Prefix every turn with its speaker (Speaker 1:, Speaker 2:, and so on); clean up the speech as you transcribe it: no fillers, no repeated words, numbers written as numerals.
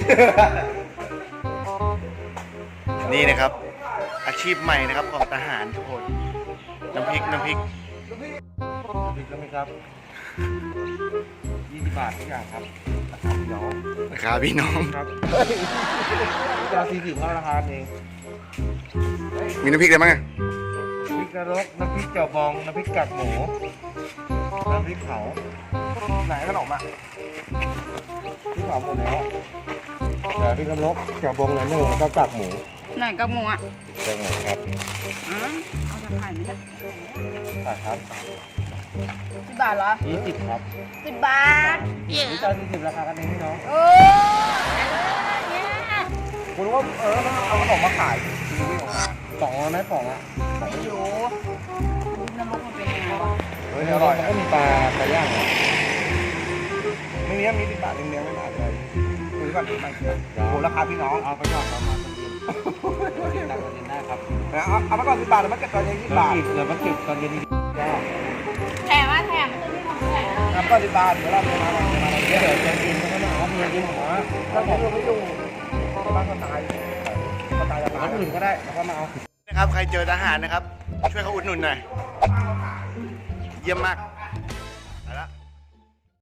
Speaker 1: นี่นะครับอาชีพใหม่นะครับของทหารทุกคนน้ำพริก
Speaker 2: พริกแล้วไหมครับ20 บาททุกอย่างครับราคาพี่น้อง
Speaker 1: ราคาพี่น้อง
Speaker 2: ครับจะ40เท่าราคาเอง
Speaker 1: มีน้ำพริกอะไรบ้างอะ
Speaker 2: พริกนรกน้ำพริกเจียวบองน้ำพริกกากหมูน้ำพริกเผาไหนขนมอ่ะพริกเผาหมดแล้วแต่พริกนรกเจียวบองหน่อยนึงแล้วก็กากหมู
Speaker 3: ไหนกับหมูอ่ะ
Speaker 2: กากหมูครับ
Speaker 3: เอาจะขายไหมจ๊ะ
Speaker 2: ขายครับ
Speaker 3: 10 บาทเหรอ
Speaker 2: 20ครับ
Speaker 3: 10 บาท
Speaker 2: นี่จะ40ราคากันเองพี่น้อง
Speaker 3: โอ้เนี่ย
Speaker 2: คุณว่าเอาขนมมาขายชีวิตของเราสองไหมสองอ่ะ
Speaker 3: ไม่รู้นรกมันเป็นยังไงวะ
Speaker 2: เฮ้ยอร่อยมันก็มีปลาย่างเหรอไม่มี10 บาทเลี้ยงไม่ได้เลยคุยก่อนดีไหมโอ้ราคาพี่น้องเอาไปก่อนประมาณเย็นตังค์เย็นได้ครับเอาไปก่อน10 บาทแล้วมันเก็บตอนเย็น20 บาทเดี๋ยวมันเก็บตอนเย็นได้
Speaker 3: แถมว่าแถมมันจะไม่ของแถม
Speaker 2: ทำก็10 บาทเดี๋ยวเราไปมาเดี๋ยวจะกินก็มาเอาเงินกินหัวถ้าผมไม่อยู่บ้านก็ตายก็ตายร้านอื่นก็ได้แล้วก็มาเอา
Speaker 1: นะครับใครเจอทหารนะครับ ช่วยเขาอุดหนุนหน่อยเยี่ยมมาก